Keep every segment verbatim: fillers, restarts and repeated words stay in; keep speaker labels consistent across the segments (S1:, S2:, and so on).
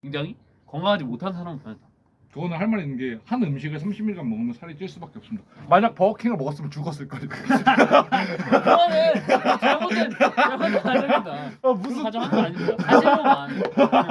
S1: 굉장히 건강하지 못한 사람은 변했다.
S2: 그거는 할 말 있는 게 한 음식을 삼십 일간 먹으면 살이 찔 수밖에 없습니다. 만약 버거킹을 먹었으면 죽었을 거예요.
S1: 그거는 잘못된 잘못된 가정이다.
S2: 아,
S1: 무슨
S2: 무슨
S1: 가정한 거 아닙니다. 사실로만.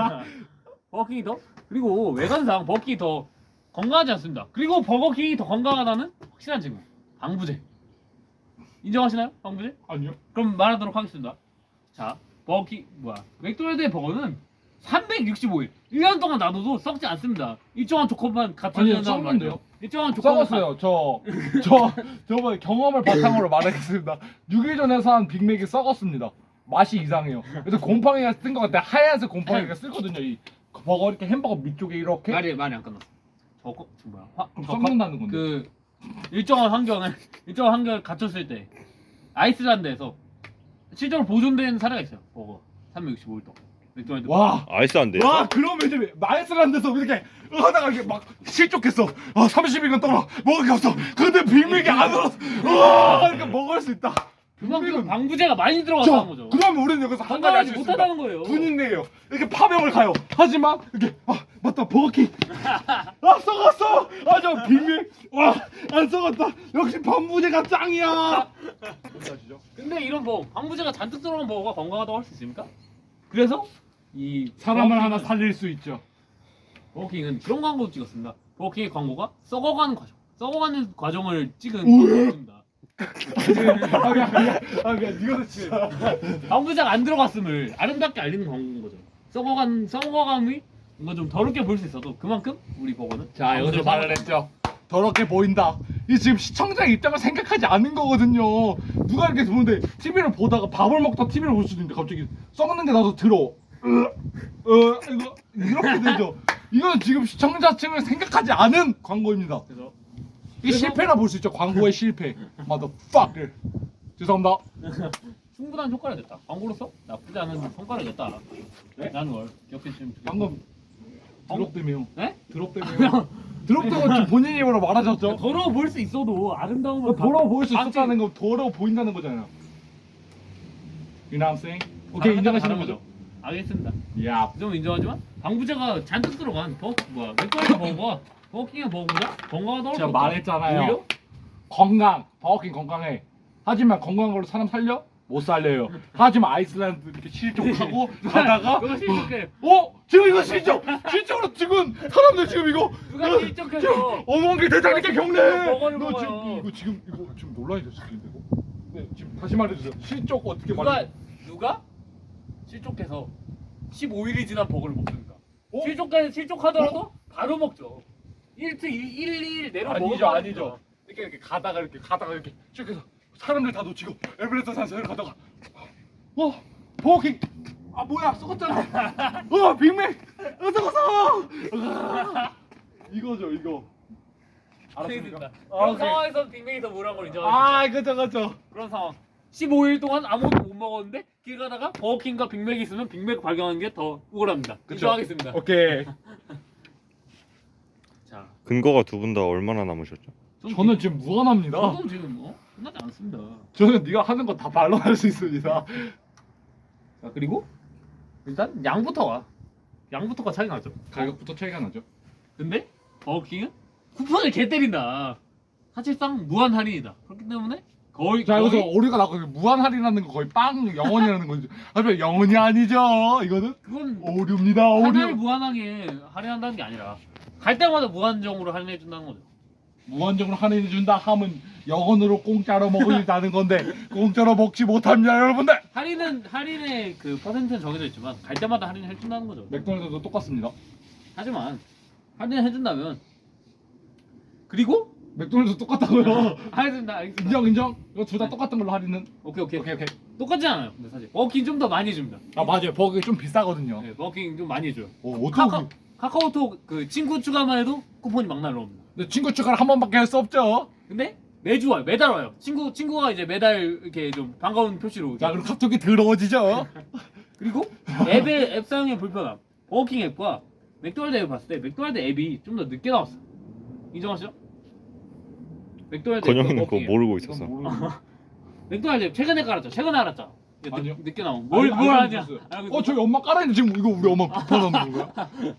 S1: 버거킹이 더 그리고 외관상 버거킹이 더 건강하지 않습니다. 그리고 버거킹이 더 건강하다는 확실한 증거. 방부제. 인정하시나요? 방부제?
S2: 아니요.
S1: 그럼 말하도록 하겠습니다. 자, 버거킹 뭐야? 맥도날드의 버거는 삼백육십오 일 일 년 동안 놔둬도 썩지 않습니다. 일정한 조건만 같은
S2: 아니요,
S1: 년이라고
S2: 썩는데요?
S1: 말이에요. 일정한 조건만
S2: 썩었어요. 저, 저, 저번에 경험을 바탕으로 말하겠습니다. 육 일 전에 산 빅맥이 썩었습니다. 맛이 이상해요. 그래서 곰팡이가 쓴 것 같아. 하얀색 곰팡이가 쓰거든요. 이 버거 이렇게 햄버거 밑쪽에 이렇게.
S1: 말이 말이 안 끝났어. 저거 저 뭐야? 화,
S2: 그럼
S1: 저
S2: 썩는다는 건데.
S1: 그 일정한 환경을 일정한 환경을 갖췄을 때 아이슬란드에서 실제로 보존된 사례가 있어요. 버거 삼백육십오 일 동안. 맥도날드.
S2: 와.
S3: 아이스한데.
S2: 와, 그러면 이제 마이슬란드에서 이렇게 하다가 이렇게 막 실족했어. 아, 삼십 일간 떨어 먹을 게 없어. 근데 빅맥이 안 얼었어. 와, 그러니까 먹을 수 있다.
S1: 그만큼 방부제가 많이 들어갔다는 거죠.
S2: 그러면 우리는 여기서 한 가지
S1: 건강하지
S2: 알수
S1: 못하다는
S2: 있습니다.
S1: 거예요.
S2: 군인네요. 이렇게 파병을 가요. 하지만 이렇게 아 맞다 버거킹. 아 썩었어. 아 저 빅맥. 와안 썩었다. 역시 방부제가 짱이야.
S1: 근데 이런 뭐 방부제가 잔뜩 들어간 버거가 건강하다고 할 수 있습니까? 그래서 이
S2: 사람을
S1: 버거킹은-
S2: 하나 살릴 수 있죠.
S1: 버거킹은 그런 광고도 찍었습니다. 버거킹의 광고가 썩어가는 과정, 썩어가는 과정을 찍은
S2: 우와.
S1: 광고였습니다.
S2: 아 미안 미안. 아 미안. 이거는 진짜.
S1: 방부제가 안 들어갔음을 아름답게 알리는 광고인 거죠. 썩어간 썩어감이 뭔가 좀 더럽게 보일 수 있어도 그만큼 우리 버거는
S2: 자 여기서
S1: 방부제를
S2: 말을 했죠. 더럽게 보인다. 이 지금 시청자 입장을 생각하지 않는 거거든요. 누가 이렇게 보는데 티비를 보다가 밥을 먹다 티비를 볼 수도 있는데 갑자기 썩는 게 나서 들어. 으, 어, 이거 이렇게 되죠. 이건 지금 시청자층을 생각하지 않은 광고입니다.
S1: 그래서
S2: 이
S1: 그래서-
S2: 실패라 볼 수 있죠. 광고의 실패. motherfucker. 죄송합니다.
S1: 충분한 효과를 냈다. 광고로서 나쁘지 않은 성과를 냈다.
S2: 네?
S1: 라는 걸 기억해 주시면 좋겠습니다.
S2: 방금 드롭되며.
S1: 네?
S2: 드롭되며. 드롭되고 지금 본인 입으로 말하셨죠.
S1: 더러워 보일 수 있어도 아름다움을
S2: 더러워 보일 수
S1: 방지-
S2: 있었다는 거 더러워 보인다는 거잖아요. You know what I'm saying? 오케이 인정하시는 거죠?
S1: 알겠습니다.
S2: 야.
S1: 좀 인정하지만 방부제가 잔뜩 들어간 버 뭐야 맥도날드 버거가 버거킹의 버거보다 건강하다고
S2: 제가
S1: 할 수 없다.
S2: 말했잖아요.
S1: 오히려
S2: 건강, 버거킹 건강해. 하지만 건강한 걸로 사람 살려? 못 살려요. 하지만 아이슬란드 이렇게 실족하고 가다가
S1: 그거 실족해.
S2: 어? 지금 이거 실족! 실족으로 지금 사람들 지금 이거
S1: 누가 실족해서
S2: 어머니 대장님께 경례!
S1: 버거를
S2: 너
S1: 먹어요.
S2: 지금 이거 지금 이거 지금 논란이 됐을 텐데 이거. 네, 지금 다시 말해주세요. 실족 어떻게
S1: 누가
S2: 말해?
S1: 누가 실족해서 십오 일이 지난 버거를 먹습니까?
S2: 어?
S1: 실족까지 실족하더라도 바로 먹죠. 일트 일 일 내로
S2: 아니죠
S1: 먹어도
S2: 아니죠. 이렇게 이렇게 가다가 이렇게 가다가 이렇게 쭉 해서 사람들 다 놓치고 에베레스트 산사를 가다가 어 버거킹 아 뭐야 썩었잖아. 어 빅맥 어 썩었어. 으아. 이거죠 이거. 알았습니까?
S1: 알겠습니다.
S2: 아,
S1: 그런
S2: 오케이.
S1: 상황에서 빅맥이 더 무료한 걸 인정합니다.
S2: 아 그죠 그죠.
S1: 그런 상황. 십오 일 동안 아무것도 못 먹었는데 길 가다가 버거킹과 빅맥이 있으면 빅맥 발견하는 게 더 우월합니다.
S2: 그쵸.
S1: 인정하겠습니다.
S2: 오케이.
S1: 자,
S3: 근거가 두 분 다 얼마나 남으셨죠?
S2: 저는 지금 무한합니다.
S1: 저도 지금 뭐 끝나지 않습니다.
S2: 저는 네가 하는 거 다 반론할 수 있습니다.
S1: 자, 그리고 일단 양부터 와. 양부터가 차이 나죠.
S2: 가격부터 차이가 나죠.
S1: 근데 버거킹은 쿠폰을 개 때린다. 사실상 무한 할인이다. 그렇기 때문에 거의
S2: 자 여기서
S1: 거의
S2: 오류가 나고 무한 할인하는 거 거의 빵 영원이라는 거죠. 하지만 영원이 아니죠. 이거는
S1: 그건
S2: 오류입니다.
S1: 하나를
S2: 오류.
S1: 무한하게 할인한다는 게 아니라 갈 때마다 무한정으로 할인해 준다는 거죠.
S2: 무한정으로 할인해 준다 하면 영원으로 공짜로 먹는다는 건데 공짜로 먹지 못합니다 여러분들.
S1: 할인은 할인의 그 퍼센트는 정해져 있지만 갈 때마다 할인해 준다는 거죠.
S2: 맥도날드도 똑같습니다.
S1: 하지만 할인해 준다면 그리고
S2: 맥도날드 똑같다고요.
S1: 알겠습니다. 알겠습니다.
S2: 인정 인정. 이거 둘 다 똑같은 걸로 할인은.
S1: 오케이 오케이
S2: 오케이 오케이.
S1: 똑같지 않아요. 근데 사실 버거킹 좀 더 많이 줍니다.
S2: 아 맞아요. 버거가 좀 비싸거든요.
S1: 네, 버거킹 좀 많이 줘요.
S2: 오
S1: 카카,
S2: 어떻게?
S1: 카카오톡 그 친구 추가만 해도 쿠폰이 막 날라옵니다.
S2: 근데 친구 추가를 한 번밖에 할 수 없죠.
S1: 근데 매주 와요. 매달 와요. 친구 친구가 이제 매달 이렇게 좀 반가운 표시로.
S2: 자 그럼 카톡이 더러워지죠.
S1: 그리고 앱의 앱 사용의 불편함. 버거킹 앱과 맥도날드 앱을 봤을 때 맥도날드 앱이 좀 더 늦게 나왔어. 인정하시죠? 맥도날드 앱과
S3: 건영이는 그거
S1: 버거킹 앱.
S3: 모르고 있었어.
S2: 이건 모르겠네.
S1: 맥도날드 앱 최근에 깔았죠. 최근에 알았죠. 늦,
S2: 아니요.
S1: 늦게 나온. 뭘
S2: 아니,
S1: 뭘
S2: 안
S1: 하냐?
S2: 알려줬어요. 어 저희 엄마 깔아있는데 지금 이거 우리 엄마 급하다는 건가요?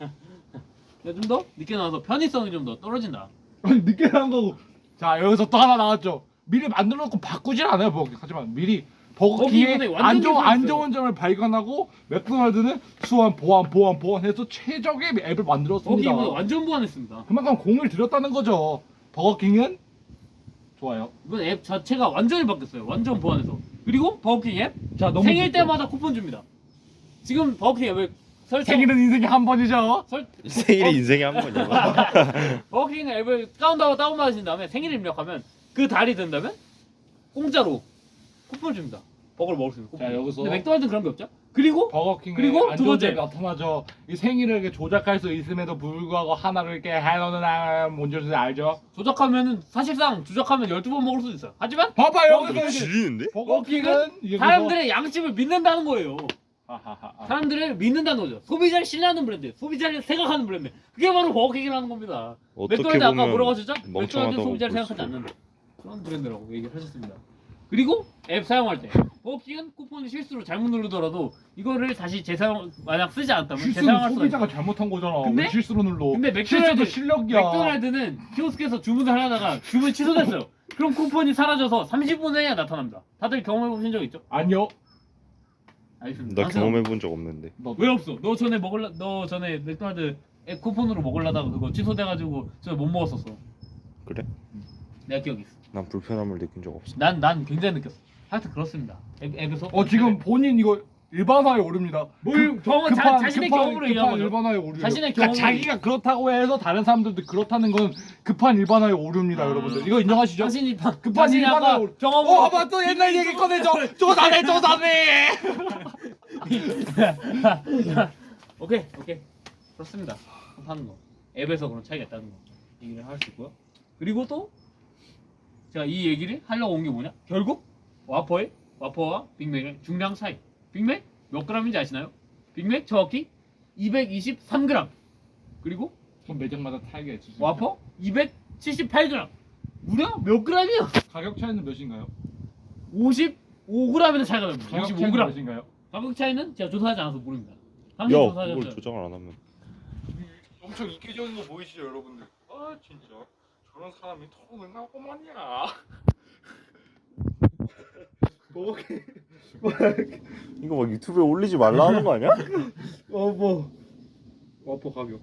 S1: 좀 더 늦게 나와서 편의성이 좀 더 떨어진다.
S2: 아니 늦게 나온 거고. 자 여기서 또 하나 나왔죠. 미리 만들어 놓고 바꾸질 않아요 버거킹. 하지만 미리 버거킹의
S1: 버거킹은 완전
S2: 안 좋은 안
S1: difference.
S2: 좋은 점을 발견하고 맥도날드는 수완 보완 보완 보완해서 최적의 앱을 만들었습니다.
S1: 버거킹은 완전 보완했습니다.
S2: 그만큼 공을 들였다는 거죠. 버거킹은 좋아요.
S1: 이번 앱 자체가 완전히 바뀌었어요. 완전 보완해서. 그리고 버거킹 앱
S2: 자 너무
S1: 생일
S2: 좋죠.
S1: 때마다 쿠폰 줍니다. 지금 버거킹 앱을 설정
S2: 생일은 인생에 한 번이죠.
S1: 설
S3: 생일이 인생에 한 번이야.
S1: 버거킹 앱을 다운다운 다운받으신 다음에 생일 입력하면 그 달이 된다면 공짜로 쿠폰 줍니다. 버거를 먹을 수 있는 쿠폰.
S2: 자, 여기서-
S1: 근데 맥도날드는 그런 게 없죠. 그리고
S2: 버거킹의
S1: 그리고
S2: 안
S1: 두
S2: 좋은
S1: 번째.
S2: 점이 나타나죠. 이 생일을 이렇게 조작할 수 있음에도 불구하고 하나를 이렇게 해놓는 사람 뭔지 알죠?
S1: 조작하면은 사실상 조작하면 열두 번 먹을 수도 있어요. 하지만
S2: 봐봐요.
S1: 버거킹은
S2: 여기서 이제
S3: 지리는데?
S2: 버거킹은 이게
S1: 사람들의 양심을 믿는다는 거예요.
S2: 하하하.
S1: 사람들을 믿는다는 거죠. 소비자를 신뢰하는 브랜드, 소비자를 생각하는 브랜드. 그게 바로 버거킹이라는 겁니다.
S3: 어떻게
S1: 맥도날드 아까
S3: 보면
S1: 뭐라고 하셨죠? 맥도날드
S3: 멍청하다고
S1: 소비자를
S3: 볼
S1: 생각하지
S3: 수도.
S1: 않는다. 그런 브랜드라고 얘기를 하셨습니다. 그리고 앱 사용할 때 버거킹은 쿠폰을 실수로 잘못 누르더라도 이거를 다시 재사용 만약 쓰지 않았다면
S2: 실수는
S1: 재사용할 수가
S2: 소비자가
S1: 있어요.
S2: 잘못한 거잖아.
S1: 근데-
S2: 왜 실수로 눌러.
S1: 근데 맥도날드-
S2: 실수도 실력이야.
S1: 맥도날드는 키오스크에서 주문을 하다가 주문 취소됐어요. 그럼 쿠폰이 사라져서 삼십 분 후에야 나타납니다. 다들 경험해 보신 적 있죠?
S2: 아니요.
S1: 알겠습니다.
S3: 나
S1: 당신은-
S3: 경험해 본 적 없는데.
S2: 너
S1: 왜 없어? 너 전에 먹을라 너 전에 맥도날드 앱 쿠폰으로 먹으려다가 그거 취소돼가지고 저 못 먹었었어.
S3: 그래?
S1: 내가 기억이 있어.
S3: 난 불편함을 느낀 적 없어.
S1: 난 난 굉장히 느꼈어. 하여튼 그렇습니다. 앱, 앱에서
S2: 어 지금 본인 이거 일반화에 오릅니다.
S1: 뭘 경험 자, 자신의 경험으로 얘기한
S2: 급한
S1: 거죠.
S2: 일반화에 오르요.
S1: 자신의
S2: 그러니까
S1: 경험으로
S2: 자기가 그렇다고 해서 다른 사람들도 그렇다는 건 급한 일반화에 오릅니다,
S1: 아.
S2: 여러분들. 이거 인정하시죠?
S1: 자신이 바-
S2: 급한
S1: 자신이
S2: 일반화에
S1: 아까
S2: 오르.
S1: 경험으로
S2: 어, 봐봐 또 옛날 얘기 꺼내줘. 조사네, 조사네.
S1: 오케이 오케이 그렇습니다. 하는 거 앱에서 그런 차이가 있다는 거 얘기를 할 수 있고요. 그리고 또 제가 이 얘기를 하려고 온 게 뭐냐? 결국 와퍼의 와퍼와 빅맥의 중량 차이. 빅맥 몇 그램인지 아시나요? 빅맥 정확히 이백이십삼 그램. 그리고
S2: 그럼 매장마다 차이가 있지.
S1: 와퍼 이백칠십팔 그램. 무려 몇 그램이요?
S2: 가격 차이는 몇인가요?
S1: 오십오 그램이나 차이가 납니다.
S2: 가격
S1: 오십오
S2: 차이는
S1: 그램.
S2: 몇인가요?
S1: 가격 차이는 제가 조사하지 않아서 모릅니다.
S3: 야,
S1: 당신
S3: 그걸
S1: 조사하셨죠?
S3: 조정을 안 하면.
S2: 엄청 이기적인 거 보이시죠, 여러분들? 아 진짜 저런 사람이 토론을 하고만이야. 뭐
S3: 이거 막 유튜브에 올리지 말라 하는 거 아니야?
S2: 어뭐 와퍼 가격.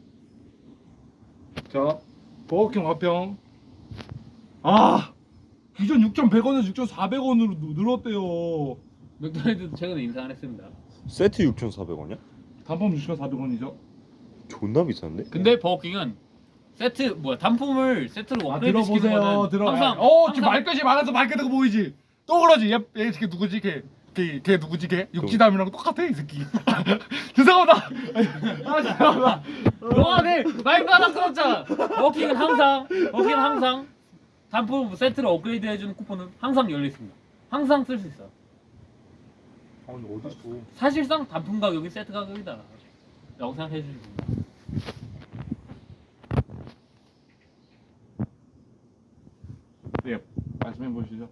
S2: 자 버거킹 와평. 아 기존 육천백 원에서 육천사백 원으로 늘었대요.
S1: 맥도날드도 최근에 인상을 했습니다.
S3: 세트 육천사백 원이야?
S2: 단품 육천사백 원이죠.
S3: 존나 비싼데?
S1: 근데 버거킹은 세트 뭐야 단품을 세트로
S2: 아
S1: 업그레이드 시키는
S2: 들어보세요.
S1: 거는
S2: 들어.
S1: 항상
S2: 어 지금
S1: 항상
S2: 말끝이 많아서 말끝 고 보이지. 또 그러지. 얘, 얘 걔 누구지 걔? 걔, 걔 누구지 걔? 육지담이랑 똑같아 이 새끼. 죄송합니다. 아 죄송합니다.
S1: 너가 내 말도 안 들었잖아. 버거킹은 항상 버거킹은 항상 단품 세트를 업그레이드 해주는 쿠폰은 항상 열려 있습니다. 항상 쓸 수 있어요.
S2: 아니 어딨어?
S1: 사실상 단품 가격이 세트 가격이다. 라고 생각해 주시면 됩니다.
S2: 네 말씀해 보시죠.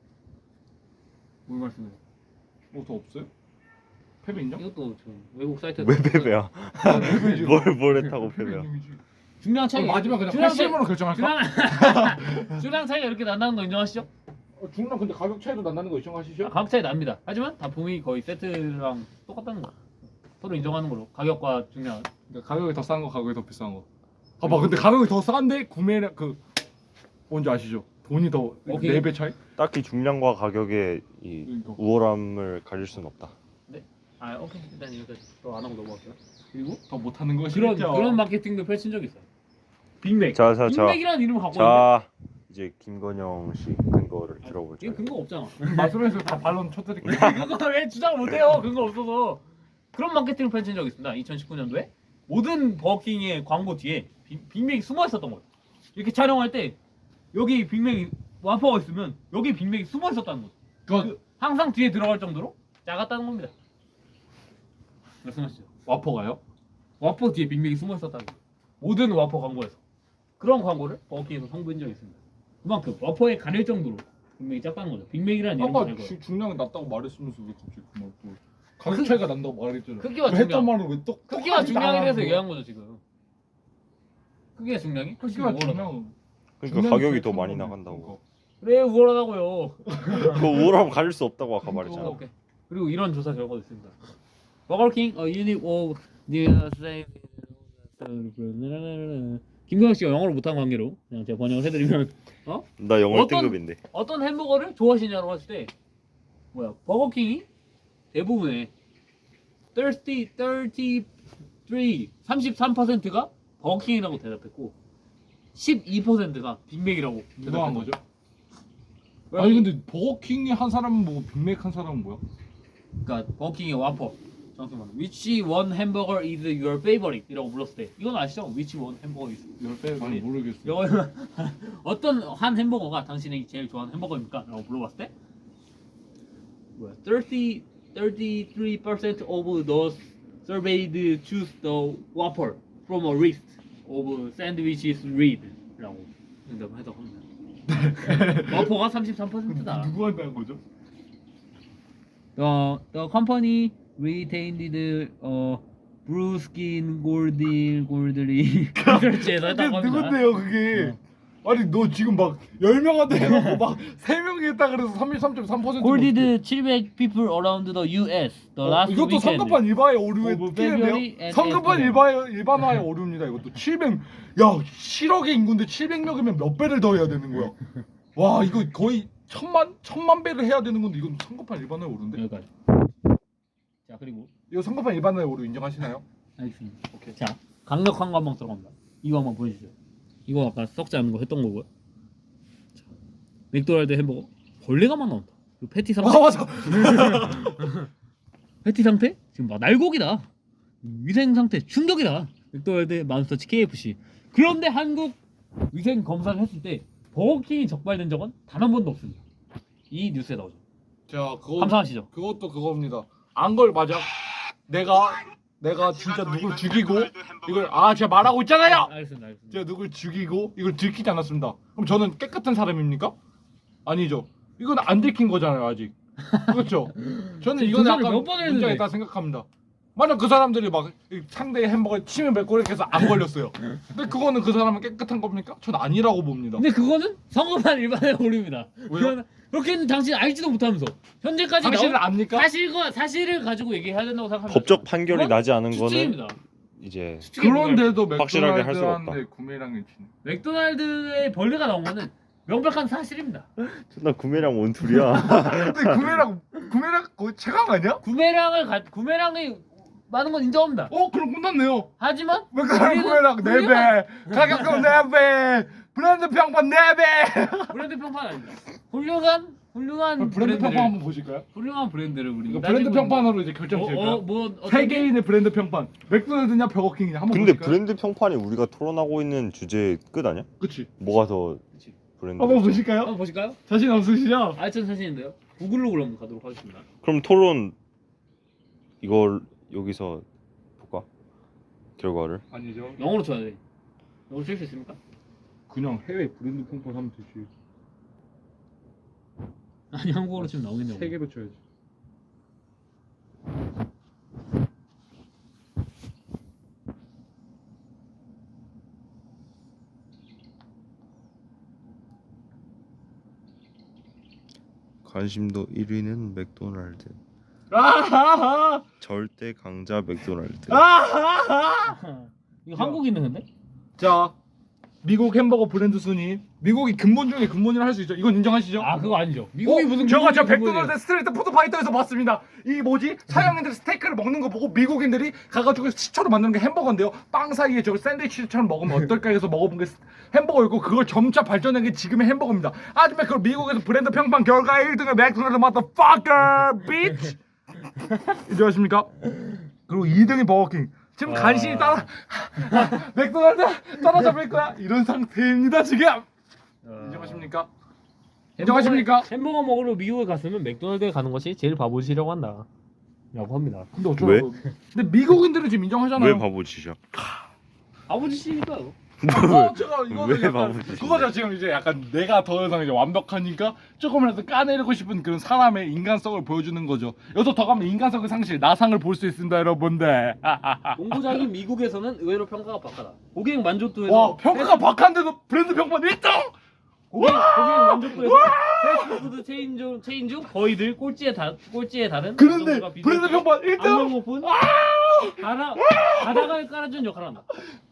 S1: 뭘 말씀해요?
S2: 뭐더 없어요? 패배 인정?
S1: 이것도 지금 외국 사이트에
S3: 왜 패배야?
S2: 패배지.
S3: 뭘, 뭘 했다고 패배야?
S2: 인정이지.
S1: 중량 차이
S2: 그럼 마지막 그냥
S1: 중량 차이-
S2: 팔십으로 결정할까?
S1: 중량 중량 차이가 이렇게 난다는 거 인정하시죠?
S2: 어, 중량 근데 가격 차이도 난다는 거
S1: 아,
S2: 인정하시죠?
S1: 가격 차이 납니다. 하지만 단품이 거의 세트랑 똑같다는 거. 서로 인정하는 걸로 가격과 중량.
S2: 그러니까 가격이 더 싼 거, 가격이 더 비싼 거. 봐봐, 근데 가격이 더 싼데 구매량 그 뭔지 아시죠? 돈이 더
S1: 오케이.
S2: 네 배 차이?
S3: 딱히 중량과 가격의 이
S2: 그러니까.
S3: 우월함을 가질 순 없다.
S1: 아 오케이 일단 여기까지 또 안 하고 넘어갈게요. 그리고
S2: 더 못하는 것이
S1: 그런
S2: 있죠.
S1: 그런 마케팅도 펼친 적 있어요. 빅맥.
S3: 자, 자, 자.
S1: 빅맥이라는 이름을 갖고 있는데
S3: 자, 이제 김건영 씨 근거를
S1: 이거
S3: 들어볼게요.
S1: 근거 없잖아.
S2: 말씀해서 다 반론 쳐드릴게요.
S1: 그거 왜 주장을 못해요? 근거 없어서. 그런 마케팅을 펼친 적이 있습니다. 이천십구 년도에 모든 버거킹의 광고 뒤에 빅, 빅맥이 숨어 있었던 거예요. 이렇게 촬영할 때 여기 빅맥이 와퍼가 있으면 여기 빅맥이 숨어 있었다는 거죠.
S2: 그건
S1: 그 항상 뒤에 들어갈 정도로 작았다는 겁니다. 말씀하시죠.
S2: 와퍼가요?
S1: 와퍼 뒤에 빅맥이 숨어 있었다는 거예요. 모든 와퍼 광고에서 그런 광고를 버거킹에서 선보인 적이 있습니다. 그만큼 와퍼에 가릴 정도로 빅맥이 작다는 거죠. 빅맥이라는 이름을
S2: 아까
S1: 알고요.
S2: 주- 중량이 낮다고 말했으면서 왜 갑자기 그말 또 가격 차이가 난다고 말했잖아.
S1: 크기와
S2: 왜 했던
S1: 중량.
S2: 말을 왜또
S1: 크기와 중량이라서 얘기한 거죠 지금. 크기와 중량이?
S2: 크기와
S1: 훨씬 우월하다.
S2: 중량.
S3: 그러니까
S2: 중량이
S3: 가격이
S2: 제일
S3: 더
S2: 큰
S3: 많이
S2: 거네.
S3: 나간다고.
S1: 그래 우월하다고요.
S3: 그거 우월하면 가질 수 없다고 아까 말했잖아.
S1: 오케이. 그리고 이런 조사 결과도 있습니다. 버거킹 a unit of the same. 김경혁 씨가 영어를 못한 관계로 그냥 제가 번역을 해드리면 어?
S3: 나 영어
S1: 어떤-
S3: 일 등급인데.
S1: 어떤 햄버거를 좋아하시냐고 했을 때 뭐야 버거킹이 대부분의 삼십, 삼십삼, 삼십삼 퍼센트가 버거킹이라고 대답했고 십이 퍼센트가 빅맥이라고
S2: 누가 한 거죠?
S1: 왜?
S2: 아니 근데 버거킹이 한 사람은 뭐고 빅맥 한 사람은 뭐야?
S1: 그러니까 버거킹의 와퍼 잠깐만 Which one hamburger is your favorite? 이라고 불렀을 때 이건 아시죠? Which one hamburger is your
S2: 아니
S1: favorite?
S2: 모르겠어.
S1: 이거는 어떤 한 햄버거가 당신이 제일 좋아하는 햄버거입니까? 라고 물어봤을 때 뭐야 삼십, thirty-three percent of those surveyed choose the Whopper from a list of sandwiches read 라고 응답을 해서 합니다. 와퍼가 삼십삼 퍼센트다.
S2: 누구한테 한 거죠?
S1: The, the company retained the uh, Brewskin Goldie Goldie 리서치에서
S2: 그게
S1: 했다고 합니다.
S2: 누군데요 그게? 아니 너 지금 막 열 명한테 해놓고 막 세 명이 했다 그래서 삼십삼 점 삼 퍼센트
S1: Golded 칠백 people around the U S the last
S2: 이것도
S1: weekend.
S2: 성급한 일반의 오류에
S1: Over February
S2: 뛰는데요?
S1: and
S2: 성급한
S1: April.
S2: 일반, 일반화의 오류입니다 이것도 칠백 야 칠억의 인구인데 칠백 명이면 몇 배를 더 해야 되는 거야 와 이거 거의 천만 천만 배를 해야 되는 건데 이건 성급한 일반화의 오류인데
S1: 여기까지. 자 그리고
S2: 이거 성급한 일반화의 오류 인정하시나요?
S1: 알겠습니다. 오케이. 자 강력한 거 한번 들어갑니다. 이거 한번 보여주죠. 이거 아까 썩지 않은 거 했던 거고요. 자, 맥도날드 햄버거 벌레가 막 나온다. 그리고 패티 상태.
S2: 아 맞아
S1: 패티 상태 지금 막 날고기다. 위생 상태 충격이다. 맥도날드 맘스터치 케이에프씨. 그런데 한국 위생 검사를 했을 때 버거킹이 적발된 적은 단 한 번도 없습니다. 이 뉴스에 나오죠.
S2: 자 그거
S1: 감사하시죠.
S2: 그것도 그겁니다 안 걸 맞아 내가 내가 진짜 누굴 죽이고 이걸 아 제가 말하고 있잖아요
S1: 알겠습니다. 알겠습니다.
S2: 제가 누굴 죽이고 이걸 들키지 않았습니다. 그럼 저는 깨끗한 사람입니까? 아니죠. 이건 안 들킨 거잖아요 아직. 그렇죠. 저는 이건
S1: 조사를
S2: 약간
S1: 몇 번을 했는데.
S2: 문제가 있다 생각합니다. 만약 그 사람들이 막 상대의 햄버거에 침을 뱉고 이렇게 해서 안 걸렸어요. 근데 그거는 그 사람은 깨끗한 겁니까? 전 아니라고 봅니다.
S1: 근데 그거는 성급한 일반의 오류입니다.
S2: 왜요?
S1: 그건- 그렇게는 당신 알지도 못하면서 현재까지
S2: 당신은
S1: 나온
S2: 압니까?
S1: 사실과 사실을 가지고 얘기해야 된다고 생각합니다.
S3: 법적 판결이
S1: 그건
S3: 나지 않은 거는
S1: 추측입니다.
S3: 이제
S1: 추측에 불과합니다.
S2: 그런데도
S3: 확실하게 할 수가
S2: 맥도날드한테 구매량이 치네.
S1: 맥도날드의 벌레가 나온 거는 명백한 사실입니다.
S3: 나 구매량 원툴이야.
S2: 근데 구매량 구매량 거의 최강 아니야?
S1: 구매량을 가, 구매량이 많은 건 인정합니다.
S2: 어 그럼 끝났네요.
S1: 하지만
S2: 맥도날드
S1: 우리는
S2: 구매량 네
S1: 훌륭한-
S2: 배, 가격도 네 배, 브랜드 평판 네 배.
S1: 브랜드 평판 아닙니다. 훌륭한 훌륭한
S2: 브랜드
S1: 브랜드를-
S2: 평판 한번 보실까요?
S1: 훌륭한 브랜드를 우리
S2: 이거 브랜드 평판으로 이제 결정
S1: 어,
S2: 지을까요?
S1: 어, 뭐 어떤 게-
S2: 세계인의 브랜드 평판 맥도날드냐 버거킹이냐 한번
S3: 근데
S2: 보실까요?
S3: 브랜드 평판이 우리가 토론하고 있는 주제 끝 아니야?
S2: 그치
S3: 뭐가 더
S1: 그치.
S3: 브랜드?
S2: 한번 보실까요?
S1: 한번 보실까요?
S2: 자신 없으시죠?
S1: 아이튼 사진인데요. 구글로 그럼 가도록 하겠습니다.
S3: 그럼 토론 이걸 여기서 볼까? 결과를.
S2: 아니죠
S1: 영어로 쳐야 돼. 영어로 칠 수 있습니까?
S2: 그냥 해외 브랜드 평판 하면 되지
S1: 아니 한국어로 치면 나오겠네요.
S2: 세 개로 쳐야지
S3: 관심도 일 위는 맥도날드.
S2: 아하하
S3: 절대 강자 맥도날드.
S2: 아하하
S1: 이거 한국인은 근데?
S2: 자 미국 햄버거 브랜드 순위 미국이 근본 중에 근본이라 할 수 있죠 이건 인정하시죠?
S1: 아 그거 아니죠. 미국이
S2: 어,
S1: 무슨
S2: 제가 저
S1: 미국이
S2: 맥도날드
S1: 근본이에요.
S2: 스트리트 푸드 파이터에서 봤습니다. 이 뭐지 서양인들이 스테이크를 먹는 거 보고 미국인들이 가가지고 시초로 만드는 게 햄버거인데요. 빵 사이에 저 샌드위치처럼 먹으면 어떨까 해서 먹어본 게 스- 햄버거였고 그걸 점차 발전한 게 지금의 햄버거입니다. 하지만 그 미국에서 브랜드 평판 결과 일 등은 맥도날드 motherfucker bitch 인정하십니까? 그리고 이 등이 버거킹. 지금
S1: 아.
S2: 간신히 따라 맥도날드 따라잡을 거야 이런 상태입니다 지금. 인정하십니까? 인정하십니까?
S1: 햄버거, 햄버거 먹으러 미국에 갔으면 맥도날드에 가는 것이 제일 바보시라고 한다. 라고 합니다.
S2: 근데 어쩌라고? 근데 미국인들은 지금 인정하잖아요.
S3: 왜 바보짓이야?
S1: 바보짓이니까요.
S2: 어, 제가 이거는
S3: 왜
S2: 약간
S3: 바보짓이야?
S2: 그거죠. 지금 이제 약간 내가 더 이상 이제 완벽하니까 조금이라도 까내리고 싶은 그런 사람의 인간성을 보여주는 거죠. 여기서 더 가면 인간성의 상실, 나상을 볼 수 있습니다, 여러분들.
S1: 농구장이 미국에서는 의외로 평가가 박하다. 고객 만족도에서
S2: 와, 평가가 박한데도 브랜드 평판 일 등!
S1: 고객, 고객 만족도에서 패스트푸드 체인 중 체인 중 거의 늘 꼴찌에 다 꼴찌에 달은
S2: 그런데
S1: 정도가 비슷해.
S2: 브랜드 평판 일 등!
S1: 악명 높은 바다 바닥을 깔아준 역할을 한다.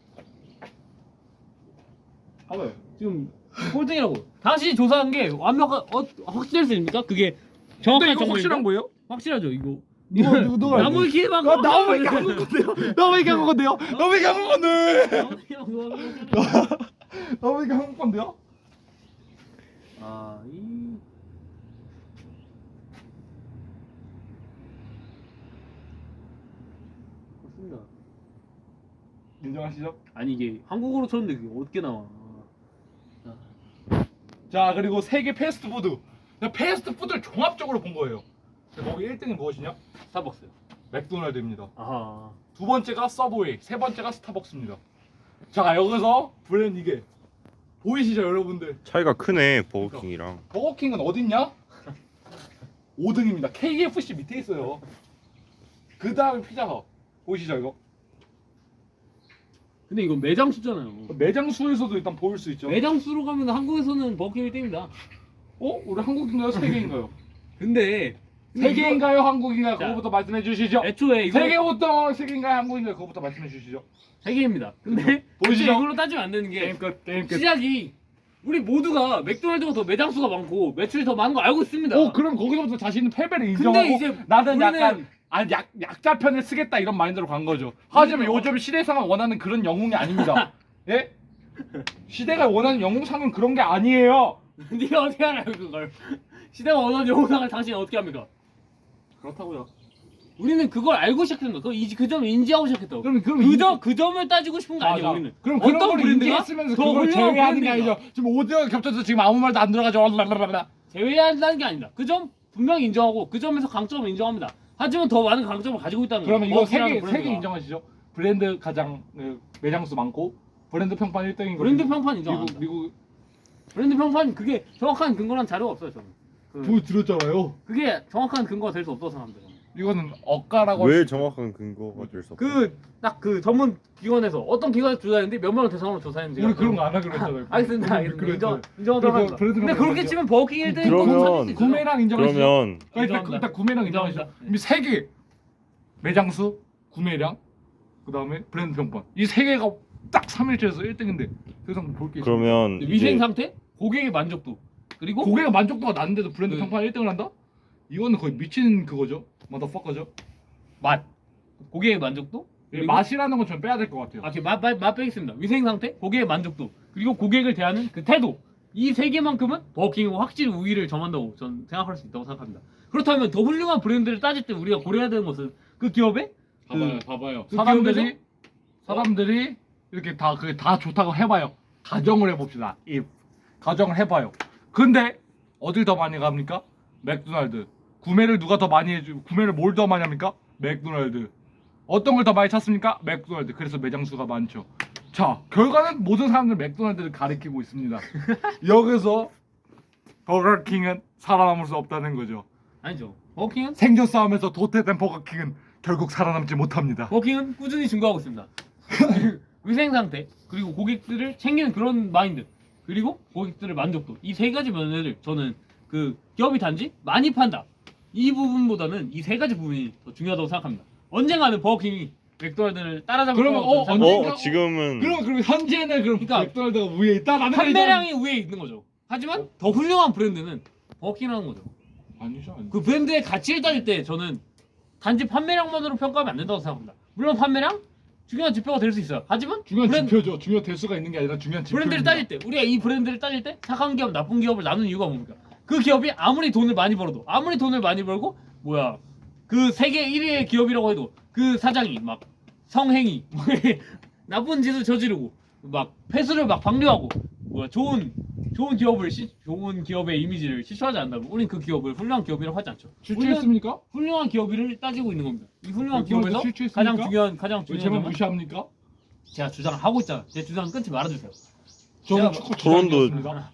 S1: 봐봐요. 지금 꼴등이라고. 당신이 조사한 게 완벽한 어, 확실할 수 있습니까? 그게
S2: 근데
S1: 정확한
S2: 이거 확실한 거예요?
S1: 확실하죠 이거.
S2: 누가 누가 누가
S1: 나무 기회만
S2: 나 나무 얘기 한 건데요. 나무 얘기 한 건데요. 나무 얘기 한 건데. 나무 얘기 한 건데요.
S1: 아, 이 그렇습니다.
S2: 인정하시죠?
S1: 아니 이게 한국어로 쳤는데 그게 어떻게 나와?
S2: 자, 그리고 세계 패스트푸드. 그냥 패스트푸드를 종합적으로 본 거예요. 거기 일 등이 무엇이냐?
S1: 스타벅스.
S2: 맥도날드입니다.
S1: 아하.
S2: 두 번째가 서브웨이, 세 번째가 스타벅스입니다. 자, 여기서 브랜드 이게 보이시죠, 여러분들?
S3: 차이가 크네 버거킹이랑.
S2: 버거킹은 어딨냐? 오 등입니다. 케이에프씨 밑에 있어요. 그 다음에 피자헛. 보이시죠, 이거?
S1: 근데 이거 매장 수잖아요.
S2: 매장 수에서도 일단 보일 수 있죠.
S1: 매장 수로 가면 한국에서는 버거킹 일 등입니다.
S2: 어? 우리 한국인가요? 세계인가요?
S1: 근데
S2: 세계인가요? 한국인가요?
S1: 자,
S2: 그거부터 말씀해 주시죠.
S1: 애초에 이거
S2: 세계부터 세계인가요? 한국인가요? 그거부터 말씀해 주시죠.
S1: 세계입니다. 근데
S2: 보이시죠?
S1: 이걸로 따지면 안 되는 게
S2: 게임 끝, 게임 끝.
S1: 시작이 우리 모두가 맥도날드가 더 매장 수가 많고 매출이 더 많은 거 알고 있습니다.
S2: 어, 그럼 거기서부터 자신의 패배를 인정하고
S1: 이제
S2: 나는
S1: 우리는-
S2: 약간 아, 약, 약자 편을 쓰겠다 이런 마인드로 간 거죠. 하지만
S1: 우리는-
S2: 요즘 시대상을 원하는 그런 영웅이 아닙니다. 예? 시대가 원하는 영웅상은 그런 게 아니에요.
S1: 네가 어떻게 알아요 그걸? 시대가 원하는 영상을 당신이 어떻게 합니까? 그렇다고요. 우리는 그걸 알고 시작했다. 그, 이- 그 점을 인지하고 시작했다고.
S2: 그럼 그럼
S1: 그
S2: 이-
S1: 점, 그 점을 따지고 싶은 거 아니야
S2: 맞아.
S1: 우리는.
S2: 그럼 그런
S1: 어떤
S2: 걸
S1: 브랜드가
S2: 인지했으면서
S1: 더
S2: 그걸
S1: 훌륭한
S2: 제외하는 게
S1: 브랜드인가?
S2: 아니죠. 지금 오디오가 겹쳐서 지금 아무 말도 안 들어가죠. 랄랄랄라.
S1: 제외한다는 게 아니다. 그 점 분명히 인정하고 그 점에서 강점을 인정합니다. 하지만 더 많은 강점을 가지고 있다는 거예요.
S2: 그러면 이거
S1: 버거킹이라는
S2: 세개
S1: 브랜드가.
S2: 세개 인정하시죠? 브랜드 가장 그, 매장수 많고 브랜드 평판 일 등인 거.
S1: 브랜드 평판 인정 안
S2: 미국
S1: 한다.
S2: 미국
S1: 브랜드 평판 그게 정확한 근거란 자료가 없어요 저는. 그,
S2: 보여드렸잖아요.
S1: 그게 정확한 근거가 될 수 없다고 생각합니다. 저는.
S2: 이거는 억가라고.
S3: 왜 정확한 근거가 될 수 없어?
S1: 그 딱 그 전문 기관에서 어떤 기관에서 조사했는데 몇 명을 대상으로 조사했는지
S2: 우리 그런 거 안 하기로 했잖아요.
S1: 알겠습니다. 알겠습니다.
S2: 그랬죠.
S1: 인정 인정하도록
S2: 그래서
S1: 합니다.
S2: 브랜드
S1: 근데
S2: 평판
S1: 그렇게
S2: 인정.
S1: 치면 버거킹 일 등이
S3: 그러면
S2: 구매량 인정하시죠?
S3: 그러면
S2: 일단,
S1: 인정합니다.
S2: 일단 구매량 인정하시죠?
S1: 인정합니다.
S2: 이미 세 개. 매장수, 구매량, 그 다음에 브랜드 평판. 이 세 개가 딱 삼 일째에서 일 등인데 그 이상 볼게.
S3: 그러면
S1: 위생
S3: 이제
S1: 상태, 고객의 만족도 그리고
S2: 고객의 만족도가 낮은데도 브랜드
S1: 네.
S2: 평판 일 등을 한다? 이거는 거의 미친 그거죠. 마더퍼커죠.
S1: 맛, 고객의 만족도 그리고
S2: 맛이라는 건 좀 빼야 될 것 같아요.
S1: 아, 맛, 맛, 맛 빼겠습니다. 위생 상태, 고객의 만족도 그리고 고객을 대하는 그 태도 이 세 개만큼은 버거킹이 확실히 우위를 점한다고 저는 생각할 수 있다고 생각합니다. 그렇다면 더 훌륭한 브랜드를 따질 때 우리가 고려해야 되는 것은 그 기업의
S2: 봐봐요,
S1: 그-
S2: 봐봐요.
S1: 그
S2: 사람들이
S1: 기업에서?
S2: 사람들이 이렇게 다 그게 다 좋다고 해봐요. 가정을 해봅시다. 이 가정을 해봐요. 근데 어딜 더 많이 갑니까? 맥도날드. 구매를 누가 더 많이 해주? 구매를 뭘 더 많이 합니까? 맥도날드. 어떤 걸 더 많이 찾습니까? 맥도날드. 그래서 매장 수가 많죠. 자, 결과는 모든 사람들 맥도날드를 가리키고 있습니다. 여기서 버거킹은 살아남을 수 없다는 거죠.
S1: 아니죠. 버거킹은
S2: 생존 싸움에서 도태된 버거킹은 결국 살아남지 못합니다.
S1: 버거킹은 꾸준히 증가하고 있습니다. 위생 상태 그리고 고객들을 챙기는 그런 마인드 그리고 고객들의 만족도 이 세 가지 면을 저는 그 기업이 단지 많이 판다 이 부분보다는 이 세 가지 부분이 더 중요하다고 생각합니다. 언젠가는 버거킹이 맥도날드를 따라잡을
S2: 그러면
S1: 거라고
S2: 어,
S1: 저는 생각합니다.
S3: 어 지금은
S2: 그럼 그럼 현재는 그럼
S1: 그러니까
S2: 맥도날드가 위에 있다라는
S1: 판매량이 위에 있는 거죠. 하지만 더 훌륭한 브랜드는 버거킹이라는 거죠.
S2: 아니죠. 아니죠.
S1: 그 브랜드의 가치를 따질 때 저는 단지 판매량만으로 평가하면 안 된다고 생각합니다. 물론 판매량 중요한 지표가 될 수 있어요. 하지만
S2: 중요한
S1: 브랜드,
S2: 지표죠. 중요 될 수가 있는 게 아니라 중요한 지표.
S1: 브랜드를 따질 때 우리가 이 브랜드를 따질 때 착한 기업, 나쁜 기업을 나누는 이유가 뭡니까? 그 기업이 아무리 돈을 많이 벌어도 아무리 돈을 많이 벌고 뭐야 그 세계 일 위의 기업이라고 해도 그 사장이 막 성행위 나쁜 짓을 저지르고 막 폐수를 막 방류하고 뭐야 좋은 좋은 기업을 시, 좋은 기업의 이미지를 실추하지 않는다면 우린 그 기업을 훌륭한 기업이라고 하지 않죠. 우리는
S2: 실추했습니까?
S1: 훌륭한 기업을 따지고 있는 겁니다. 이 훌륭한
S2: 맥도날드
S1: 기업에서
S2: 실추했습니까?
S1: 가장 중요한 가장
S2: 왜
S1: 중요한
S2: 제발
S1: 점은
S2: 무시합니까?
S1: 제가 주장을 하고 있잖아요. 제 주장 끊지 말아주세요.
S2: 저는
S1: 제가-
S2: 축구
S3: 토론도-
S2: 주장이었습니다.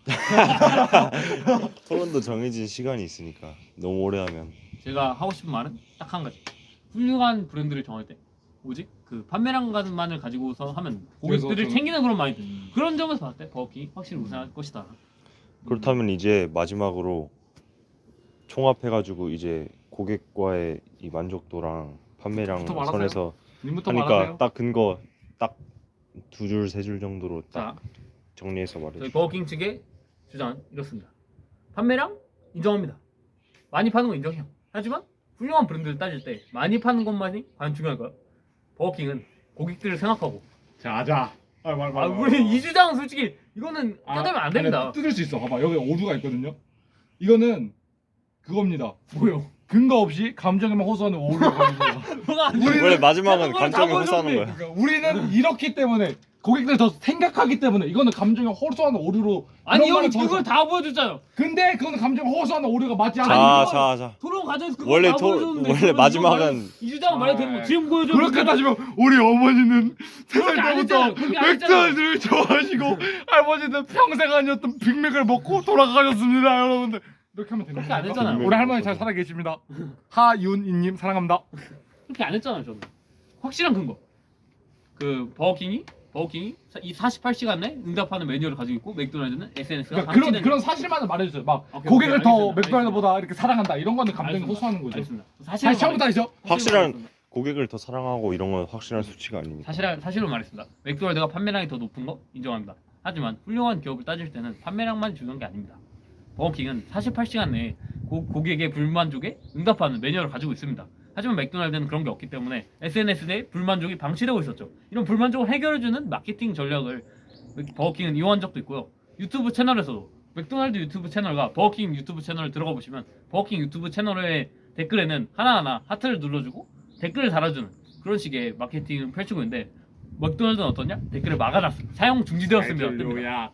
S3: 토론도 정해진 시간이 있으니까 너무 오래 하면
S1: 제가 하고 싶은 말은 딱 한 가지. 훌륭한 브랜드를 정할 때 오직 그 판매량만을 가지고서 하면 고객들을
S2: 그래서 저는-
S1: 챙기는 그런 마인드.
S2: 음.
S1: 그런 점에서 봤을 때 버거킹이 확실히 우승할 것이다.
S3: 그렇다면 이제 마지막으로 총합해가지고 이제 고객과의 이 만족도랑 판매량
S2: 부터 말하세요.
S3: 선에서
S2: 님부터
S3: 하니까
S2: 말하세요.
S3: 딱 근거 딱 두 줄 세 줄 정도로
S1: 자,
S3: 딱 정리해서 말해.
S1: 저희 버거킹 측의 주장은 이렇습니다. 판매량 인정합니다. 많이 파는 건 인정해요. 하지만 훌륭한 브랜드를 따질 때 많이 파는 것만이 과연 중요할까요? 버거킹은 고객들을 생각하고
S2: 자, 자. 아, 말, 말,
S1: 아,
S2: 말,
S1: 우리
S2: 말.
S1: 이 주장은 솔직히 이거는
S2: 아,
S1: 뜯으면 안
S2: 아니,
S1: 됩니다.
S2: 뜯을 수 있어. 봐봐, 여기 오류가 있거든요. 이거는 그겁니다.
S1: 뭐요?
S2: 근거 없이 감정에만 호소하는 오류가 걸리죠.
S1: 뭐가 안
S2: 우리는-
S3: 원래 마지막은
S1: 그거는 다
S3: 감정에 호소하는
S1: 보여줬는데.
S3: 거야.
S2: 그러니까 우리는 이렇기 때문에 고객들 더 생각하기 때문에 이거는 감정에 호소하는 오류로
S1: 아니
S2: 그런
S1: 형이
S2: 말을
S1: 그걸
S2: 더-
S1: 다 보여줬잖아요.
S2: 근데 그거는 감정에 호소하는 오류가 맞지 않아.
S3: 자,
S1: 이거-
S3: 자, 자.
S1: 토론 과정에서 그거
S3: 원래
S1: 다
S3: 토-
S1: 보여줬는데
S3: 원래
S1: 그걸
S3: 마지막은-
S1: 이거 이 주장 말이 되는 거
S2: 아,
S1: 지금 보여줘.
S2: 그렇게 따지면 우리 어머니는 세 살
S1: 그렇게 안
S2: 때부터
S1: 했잖아요. 그렇게 안 했잖아요.
S2: 맥주를 좋아하시고 할머니는 평생 아니었던 빅맥을 먹고 돌아가셨습니다, 여러분들. 이렇게 하면 되는
S1: 그렇게 안
S2: 거예요.
S1: 했잖아요.
S2: 우리 할머니 잘 살아 계십니다. 하윤이님 사랑합니다.
S1: 그렇게 안 했잖아요 저는. 확실한 근거. 그 버거킹이 버거킹이 이 사십팔 시간 내 응답하는 매뉴얼을 가지고 있고 맥도날드는 에스엔에스가
S2: 그러니까 그런 그런 사실만을 말해주세요. 막
S1: 오케이,
S2: 고객을
S1: 오케이,
S2: 더
S1: 알겠습니다.
S2: 맥도날드보다 이렇게 사랑한다 이런 거는 감정에 호소하는 거죠.
S1: 알겠습니다.
S2: 다시
S1: 사실을
S2: 처음부터 하시죠.
S3: 확실한 고객을 더 사랑하고 이런 건 확실한 수치가 아닙니다.
S1: 사실 사실로 말했습니다. 맥도날드가 판매량이 더 높은 거 인정합니다. 하지만 훌륭한 기업을 따질 때는 판매량만 중요한 게 아닙니다. 버거킹은 사십팔 시간 내에 고, 고객의 불만족에 응답하는 매뉴얼을 가지고 있습니다. 하지만 맥도날드는 그런 게 없기 때문에 에스엔에스 내 불만족이 방치되고 있었죠. 이런 불만족을 해결해주는 마케팅 전략을 버거킹은 이용한 적도 있고요. 유튜브 채널에서도 맥도날드 유튜브 채널과 버거킹 유튜브 채널을 들어가 보시면 버거킹 유튜브 채널의 댓글에는 하나하나 하트를 눌러주고 댓글을 달아주는 그런 식의 마케팅을 펼치고 있는데 맥도날드는 어떠냐? 댓글을 막아놨습니다. 사용 중지되었습니다. 뜹니다.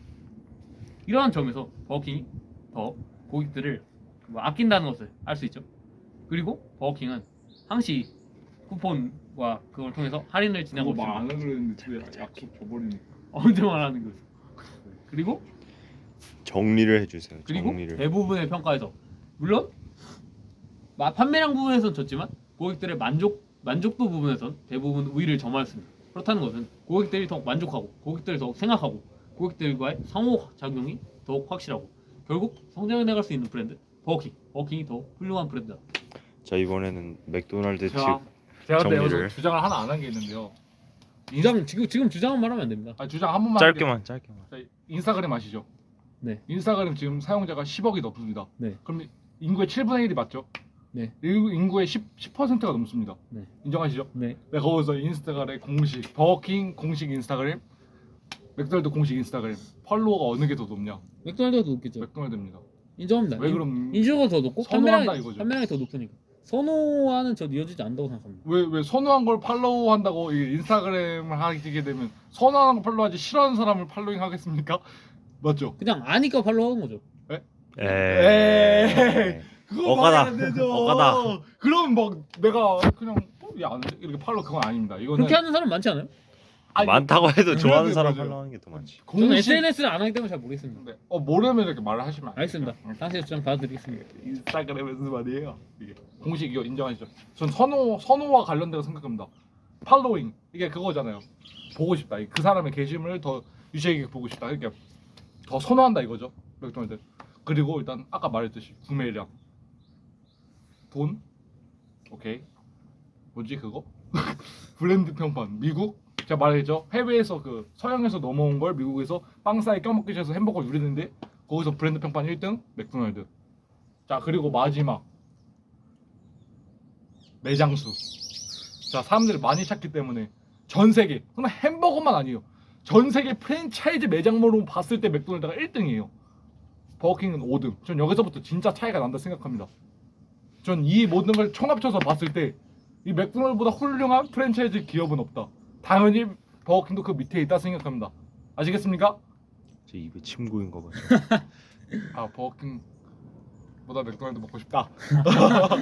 S1: 이러한 점에서 버거킹이 더 고객들을 뭐 아낀다는 것을 알 수 있죠. 그리고 버거킹은 항시 쿠폰과 그걸 통해서 할인을 진행하고
S2: 그거 말안
S1: 있습니다.
S2: 하기로 했는데 왜 약속 줘버리니?
S1: 언제 말하는 거죠? 그리고
S3: 정리를 해주세요.
S1: 그리고
S3: 정리를.
S1: 대부분의 평가에서 물론 마- 판매량 부분에서는 졌지만 고객들의 만족 만족도 부분에선 대부분 우위를 점하였습니다. 그렇다는 것은 고객들이 더 만족하고 고객들을 더 생각하고 고객들과의 상호작용이 더욱 확실하고 결국 성장해 나갈 수 있는 브랜드 버거킹 버거킹이 더 훌륭한 브랜드다.
S3: 자, 이번에는 맥도날드 측
S2: 제가 제가 근데
S3: 정리를.
S2: 여기서 주장을 하나 안 한 게 있는데요.
S1: 주장 지금 지금 주장은 말하면 안 됩니다.
S2: 아, 주장 한 번만
S3: 짧게만 짧게만.
S2: 할게요. 자, 인스타그램 아시죠?
S1: 네.
S2: 인스타그램 지금 사용자가 십억이 넘습니다.
S1: 네.
S2: 그럼 인구의 칠분의 일이 맞죠?
S1: 네.
S2: 인구- 인구의 십, 십 퍼센트가 넘습니다.
S1: 네.
S2: 인정하시죠?
S1: 네.
S2: 네, 거기서 인스타그램 공식 버거킹 공식 인스타그램 맥도날드 공식 인스타그램 팔로워가 어느 게 더 높냐?
S1: 맥도날드가 더 높겠죠.
S2: 맥도날드입니다.
S1: 인정합니다.
S2: 왜 그럼
S1: 인증가 더 높고
S2: 선호한다
S1: 판매량이
S2: 이거죠.
S1: 판매량이 더 높으니까 선호와는 저 이어지지 않는다고 생각합니다.
S2: 왜 왜 선호한 걸 팔로우한다고 이 인스타그램을 하게 되면 선호하는 걸 팔로우하지 싫어하는 사람을 팔로잉 하겠습니까? 맞죠?
S1: 그냥 아니까 팔로우하는 거죠.
S3: 에이.
S2: 그거
S3: 억하다.
S2: 말이 안 되죠.
S3: 억하다.
S2: 그럼 막 내가 그냥 어, 야안 이렇게 팔로 그건 아닙니다. 이거는
S1: 그렇게 하는 사람 많지 않아요?
S2: 아니,
S3: 많다고 해도 좋아하는
S2: 맞아요,
S3: 사람
S2: 맞아요.
S3: 팔로우하는 게 더 많지.
S1: 저는
S2: 공식
S1: 에스엔에스를 안 하기 때문에 잘 모르겠습니다.
S2: 네. 어 모르면 이렇게 말을 하시면 안 돼요.
S1: 알겠습니다.
S2: 응.
S1: 당신의 주장 받아드리겠습니다.
S2: 인스타그램에서 말이에요. 이게 공식 이거 인정하시죠? 전 선호 선호와 관련되고 생각합니다. 팔로잉 이게 그거잖아요. 보고 싶다. 그 사람의 게시물을 더 유시하게 보고 싶다. 이렇게 더 선호한다 이거죠. 맥도날드. 그리고 일단 아까 말했듯이 구매량, 돈, 오케이. 뭐지 그거? 브랜드 평판. 미국 제가 말했죠. 해외에서 그 서양에서 넘어온 걸 미국에서 빵 사이 껴먹기 위해서 햄버거 누리는데 거기서 브랜드 평판 일 등 맥도날드. 자 그리고 마지막 매장 수. 자 사람들이 많이 찾기 때문에 전 세계 그냥 햄버거만 아니에요. 전 세계 프랜차이즈 매장으로 봤을 때 맥도날드가 일 등이에요. 버거킹은 오 등. 전 여기서부터 진짜 차이가 난다 생각합니다. 전 이 모든 걸 총합쳐서 봤을 때 이 맥도날드보다 훌륭한 프랜차이즈 기업은 없다. 당연히 버거킹도 그 밑에 있다 생각합니다. 아시겠습니까?
S3: 제 입에 침 고인 거 봐죠.
S2: 아 버거킹보다 맥도날드 먹고 싶다.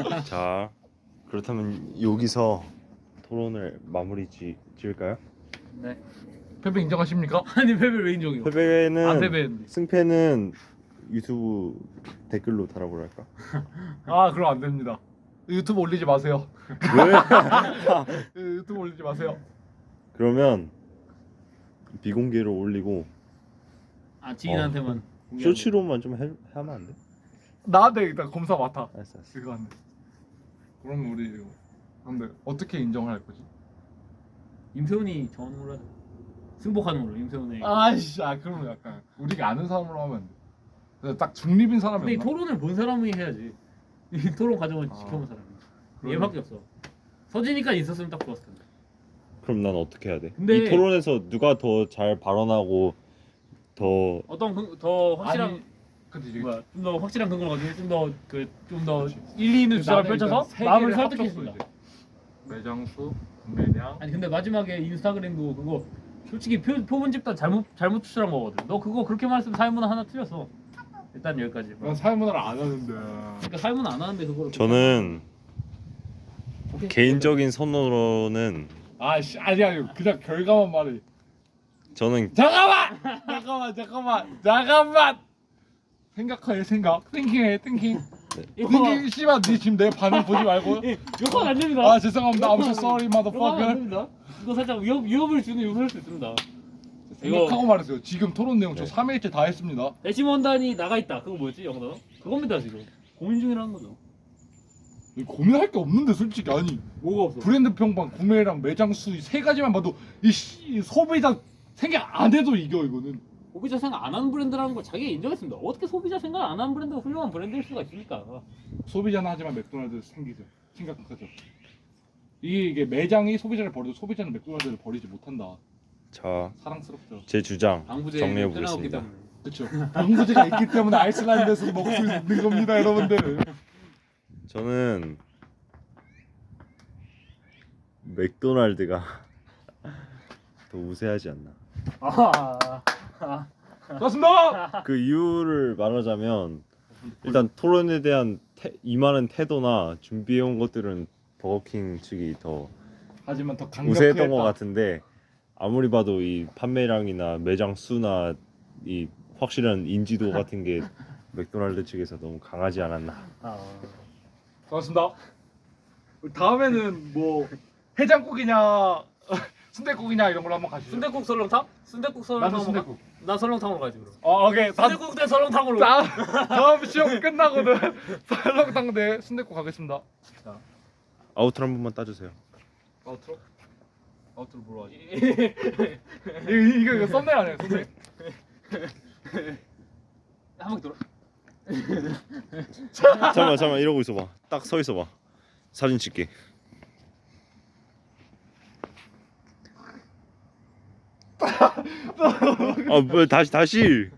S3: 자, 그렇다면 여기서 토론을 마무리 지, 지을까요?
S1: 네.
S2: 패배 인정하십니까?
S1: 아니 패배를 왜 인정해요?
S3: 패배는
S2: 안 패배했는데.
S3: 승패는 유튜브 댓글로 달아보랄까?
S2: 아 그럼 안 됩니다. 유튜브 올리지 마세요.
S3: 왜?
S2: 유튜브 올리지 마세요.
S3: 그러면 비공개로 올리고
S1: 아 지인한테만.
S3: 어,
S1: 공개하고.
S3: 쇼츠로만 좀 해, 하면 안 돼?
S2: 나한테 일단 검사 맡아.
S3: 알았어 알았어.
S2: 이거 안 돼. 그럼 우리 이거 근데 어떻게 인정을 할 거지?
S1: 임세훈이 정하는 걸로 하자. 승복하는 걸로 임세훈의.
S2: 아이씨, 아 그러면 약간 우리가 아는 사람으로 하면 안 돼. 그냥 딱 중립인 사람이
S1: 근데 이
S2: 없나?
S1: 토론을 본 사람이 해야지. 이 토론 과정을
S2: 아.
S1: 지켜본 사람이.
S2: 그러네.
S1: 얘밖에 없어. 서진이까지 있었으면 딱 좋았을 텐데.
S3: 그럼 난 어떻게 해야 돼?
S1: 근데-
S3: 이 토론에서 누가 더 잘 발언하고 더
S1: 어떤 근- 더 확실한
S2: 아니, 근데 이제
S1: 뭐야 좀 더 확실한 근거를 가지고 좀 더 그 좀 더
S2: 그렇지.
S1: 일리 있는 주장을
S2: 나는
S1: 펼쳐서
S2: 일단 세
S1: 마음을
S2: 개를
S1: 설득했습니다.
S2: 합쳤어, 이제. 매장수, 매량.
S1: 아니 근데 마지막에 인스타그램도 그거 솔직히 표, 표본 집단 잘못 잘못 추출한 거거든. 너 그거 그렇게 말했으면 사회문화 하나 틀렸어. 일단 여기까지.
S2: 난 사회문화를 안 하는데.
S1: 그러니까 사회문화 안 하는데 그거를.
S3: 저는
S1: 오케이.
S3: 개인적인 선호로는
S2: 아씨, 아니 아니 그냥 결과만 말해.
S3: 저는
S2: 잠깐만, 잠깐만, 잠깐만, 잠깐만. 생각해 생각. 띵킹해 띵킹.
S1: 이거
S2: 띵킹 씨발 네 지금 내 반응 보지 말고.
S1: 예, 욕하면 안 됩니다.
S2: 아 죄송합니다. I'm so sorry,
S1: 욕하면 안
S2: motherfucker.
S1: 됩니다. 이거 살짝 위협 위협을 주는 요소일 수 있습니다.
S2: 생각하고 말했어요. 지금 토론 내용 저
S3: 네.
S2: 삼 일째 다 했습니다.
S1: 배심원단이 나가 있다. 그거 뭐였지 영어? 그겁니다 지금. 고민 중이라는 거죠.
S2: 고민할 게 없는데 솔직히 아니
S1: 뭐가 없어?
S2: 브랜드 평판 구매랑 매장 수 세 가지만 봐도 이 씨, 소비자 생각 안 해도 이겨 이거는.
S1: 소비자 생각 안 하는 브랜드라는 걸 자기가 인정했습니다. 어떻게 소비자 생각 안 하는 브랜드가 훌륭한 브랜드일 수가 있습니까?
S2: 소비자는 하지만 맥도날드 생기죠. 심각하죠. 이게, 이게 매장이 소비자를 버려도 소비자는 맥도날드를 버리지 못한다.
S3: 자,
S2: 사랑스럽죠.
S3: 제 주장
S1: 방부제
S3: 정리해
S1: 빼놔왔기
S3: 보겠습니다.
S1: 때문에.
S2: 그렇죠. 방부제가 있기 때문에 아이슬란드에서 먹을 수 있는 겁니다, 여러분들.
S3: 저는 맥도날드가 더 우세하지 않나.
S1: 아, 아,
S2: 고맙습니다.
S3: 그 이유를 말하자면 일단 토론에 대한 태, 임하는 태도나 준비해온 것들은 버거킹 측이 더
S2: 하지만 더 강력했다.
S3: 우세했던 것 같은데 아무리 봐도 이 판매량이나 매장 수나 이 확실한 인지도 같은 게 맥도날드 측에서 너무 강하지 않았나.
S1: 아.
S2: 고맙습니다. 다음에는 뭐 해장국이냐 순댓국이냐 이런 걸로 한번 가시죠.
S1: 순대국 설렁탕? 순대국 설렁탕.
S2: 나는 순댓국.
S1: 나 설렁탕으로 가지 그럼.
S2: 어, 오케이. 다,
S1: 순대국 대 설렁탕으로.
S2: 다음, 다음 시험 끝나고는 설렁탕 대 순댓국 가겠습니다. 자,
S3: 아우트로 한 번만 따주세요.
S2: 아우트로? 아우트로 뭐로 하지? 이거, 이거, 이거 썸네일 아니야, 썸네일?
S1: 한 바퀴 돌아.
S3: 잠깐만 잠깐만 이러고 있어봐. 딱 서 있어봐. 사진 찍게. 아뭐 다시 다시.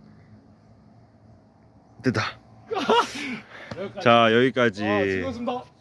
S3: 됐다.
S2: 여기까지.
S3: 자 여기까지
S2: 아, 즐거웠습니다.